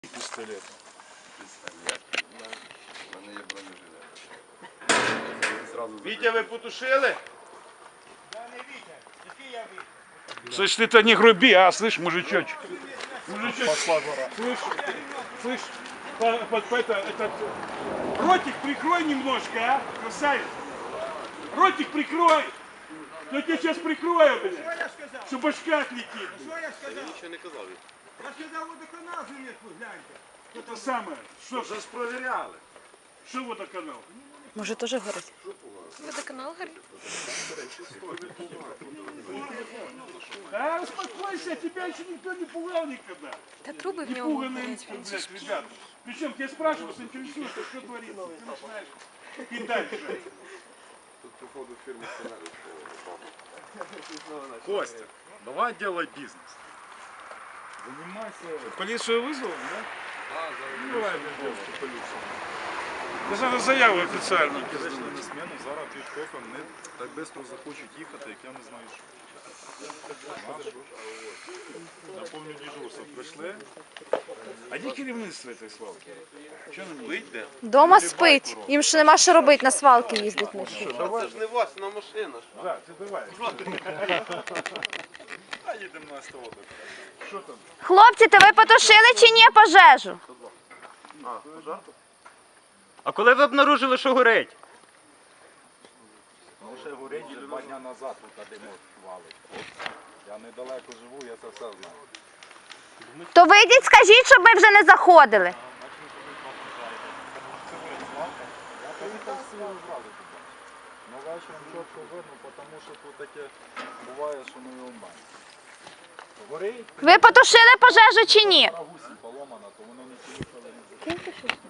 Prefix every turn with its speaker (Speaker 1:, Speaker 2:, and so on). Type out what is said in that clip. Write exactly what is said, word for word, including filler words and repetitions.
Speaker 1: Пістолет.
Speaker 2: Пістолет. У мене є бронежилет.
Speaker 1: Вітя, ви потушили?
Speaker 3: Я не Вітя. Який я Вітя?
Speaker 1: Слышь, ты-то не груби, а, слышь, мужичочек. Мужичочек. Слышь, слышь, по, по, по, это, этот, ротик прикрой немножко, а, красавец. Ротик прикрой. Я тебя сейчас прикрою,
Speaker 3: Що
Speaker 1: блядь,
Speaker 3: я сказав?
Speaker 1: что башка отлетит.
Speaker 3: Що я сказав?
Speaker 2: Нічого не казав.
Speaker 3: Я сказав, водоканал залізли, гляньте.
Speaker 1: Это самое. Что,
Speaker 2: Вже ж провіряли.
Speaker 1: что водоканал?
Speaker 4: Може, теж горить?
Speaker 5: Водоканал горит.
Speaker 1: А, успокойся, тебя еще никто не пугал никогда.
Speaker 5: Да трубы в нем
Speaker 1: Пуганые,
Speaker 5: горят.
Speaker 1: блядь, ребята. Причем тебя спрашивают, интересуется, что творится. Ты начинаешь и дальше.
Speaker 2: Тут, походу, фірмі сценарій.
Speaker 6: Костя, давай делай бизнес. Занимайся.
Speaker 1: Полицию вызвал, да?
Speaker 2: А,
Speaker 1: Ну, давай, блядь, полицию. Да надо заяву официально.
Speaker 6: Прийшли на смену, зараз відкопом не так швидко захочуть їхати, як я не знаю що. Я пам'ятаю дежурство. Прийшли.
Speaker 1: А де керівництво цієї свалки? Що нам вийде?
Speaker 4: Дома спить. Їм ще нема що робити, на свалки їздить вночі.
Speaker 2: це ж не власна машина.
Speaker 1: Да, ти давай.
Speaker 6: А їдемо на СТО.
Speaker 1: Що там?
Speaker 4: Хлопці, то ви потушили чи ні пожежу?
Speaker 7: А коли ви обнаружили, що горить?
Speaker 6: Ну ще горить два дня назад тут димок валить. Я недалеко живу, я це все знаю.
Speaker 4: То вийдіть, скажіть, щоб ми вже не заходили.
Speaker 6: Я поїхав з силою зразу туди. Ну вечором чітко видно, тому що тут таке буває, що не умає. Горить,
Speaker 4: Ви потушили пожежу чи ні?
Speaker 6: гусі поломана, то вони не поїхали.